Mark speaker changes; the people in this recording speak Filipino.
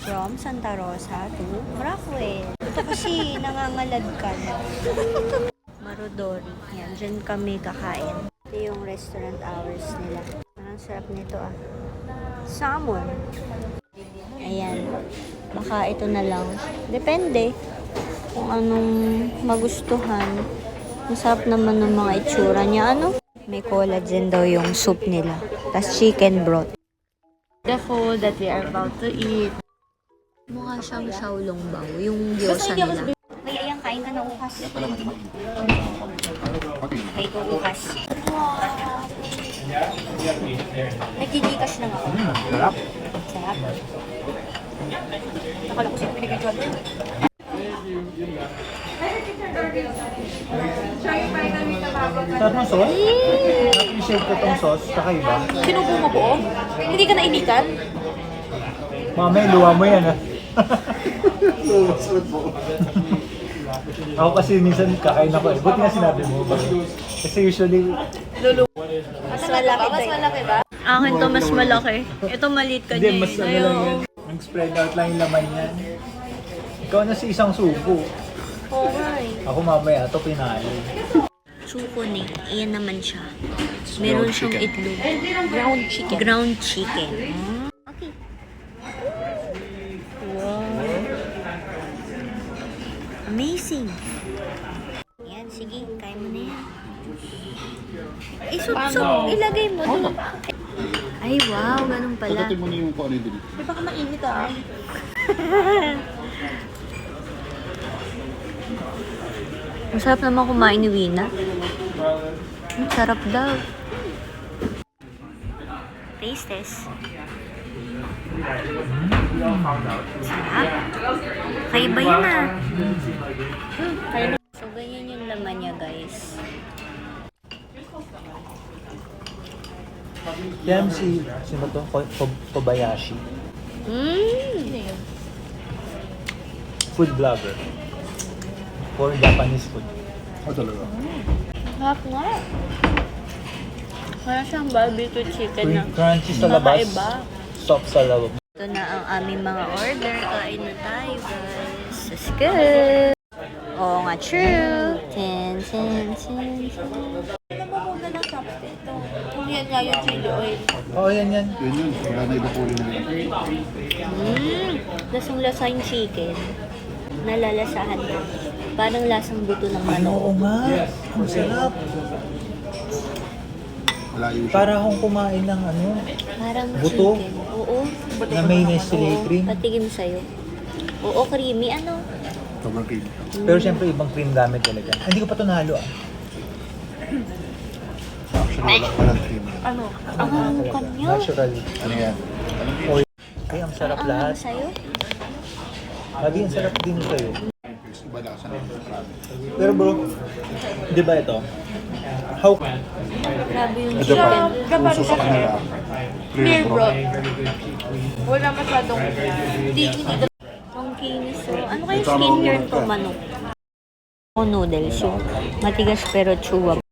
Speaker 1: from Santa Rosa to Rockwell. Ito kasi nangangalad ka na. Marudori. Yan, dyan kami kakain. Ito yung restaurant hours nila. Ang sarap nito ah. Salmon. Ayan. Baka ito na lang. Depende kung anong magustuhan. Masarap naman ng mga itsura niya. Ano? May collagen daw yung soup nila. Tapos chicken broth. The food that we are about to eat. Mukha siyang xiaolongbao. Yung gyoza nila. Kaya ayan, kain ka na ukas. Kaya ito ukas. Nagkikikas lang ako.
Speaker 2: Sarap.
Speaker 1: Sarap. Nakala ko siya pinag-enjoy.
Speaker 2: Sarap ng sauce? Na-appreciate ko tong sauce. Kakaiba.
Speaker 3: Sinubo mo buo? Hindi ka nainitan?
Speaker 2: Mamaya, luwa mo yan ha. Ako kasi minsan kakain ako eh. Buti nga sinabi mo. Kasi usually...
Speaker 1: Mas malaki
Speaker 3: Mas malaki ba?
Speaker 1: Akin to mas malaki. Ito maliit ka
Speaker 2: Hindi,
Speaker 1: niya.
Speaker 2: mas ano lang yan. Nag-spread out lang yung laman yan. Ikaw na si isang subo.
Speaker 1: Oo nga eh.
Speaker 2: Ako mamaya, ito pinalo.
Speaker 1: Suko ni. Ayan naman siya. Meron siyang itlog.
Speaker 3: Ground chicken.
Speaker 1: Ground chicken. Okay. Wow. Amazing. Yan, sige. Kaya mo na yan. Isup-sup. Ilagay mo doon. Ay, wow. Ganun pala.
Speaker 4: Pagdating mo na yung kung ano yung dinig.
Speaker 3: Di ba ka mainit ah?
Speaker 1: Masarap naman kumain ni Wina. Sarap daw. Taste test. Sarap. Kaiba yun ah. So, ganyan yung laman niya, guys.
Speaker 2: Yan sino to? Kobayashi. Food vlogger. For Japanese food.
Speaker 4: Talaga.
Speaker 3: Sarap nga. Kaya siyang barbecue chicken na.
Speaker 2: Crunchy sa labas.
Speaker 3: Kakaiba.
Speaker 2: Soft sa loob.
Speaker 1: Ito na ang aming mga order. Kain na tayo, guys. That's good. Oo nga, true. 10.
Speaker 3: Alam mo kung na ng chopstick ito. Kung yan nga yung chili oil.
Speaker 2: Oo, yan.
Speaker 4: Yun yun. Wala na iba kulin nila.
Speaker 1: Lasang-lasa yung chicken. Nalalasahan ko. Parang lasang buto ng manok.
Speaker 2: Oo nga. Ang sarap.
Speaker 4: Malayo siya.
Speaker 2: Para akong kumain ng ano.
Speaker 1: Parang
Speaker 2: Buto?
Speaker 1: chicken. Oo.
Speaker 2: Na may Nestle cream.
Speaker 1: Patigim sa'yo. Oo, creamy. Ano?
Speaker 4: Sobrang cream.
Speaker 2: Pero syempre ibang cream gamit talaga. Hindi ko pa ito nahalo ah.
Speaker 4: Actually, walang cream.
Speaker 3: Ano?
Speaker 1: Ang kanya.
Speaker 2: Natural.
Speaker 4: Ano yan?
Speaker 2: Oil. Ay, ang sarap
Speaker 1: Ang
Speaker 2: lahat.
Speaker 1: sa'yo?
Speaker 2: Lagi ang sarap din sa'yo.
Speaker 4: Iba na kasi ng marami.
Speaker 2: Pero bro, di ba ito? How...
Speaker 1: Grabe yung
Speaker 4: Ito pa.
Speaker 1: chicken.
Speaker 4: Uso sa kanila.
Speaker 3: Clear broth. Wala masyadong hindi
Speaker 1: Ang kinis. So, ano kayo skincare to manok? O noodles yung matigas pero chewable.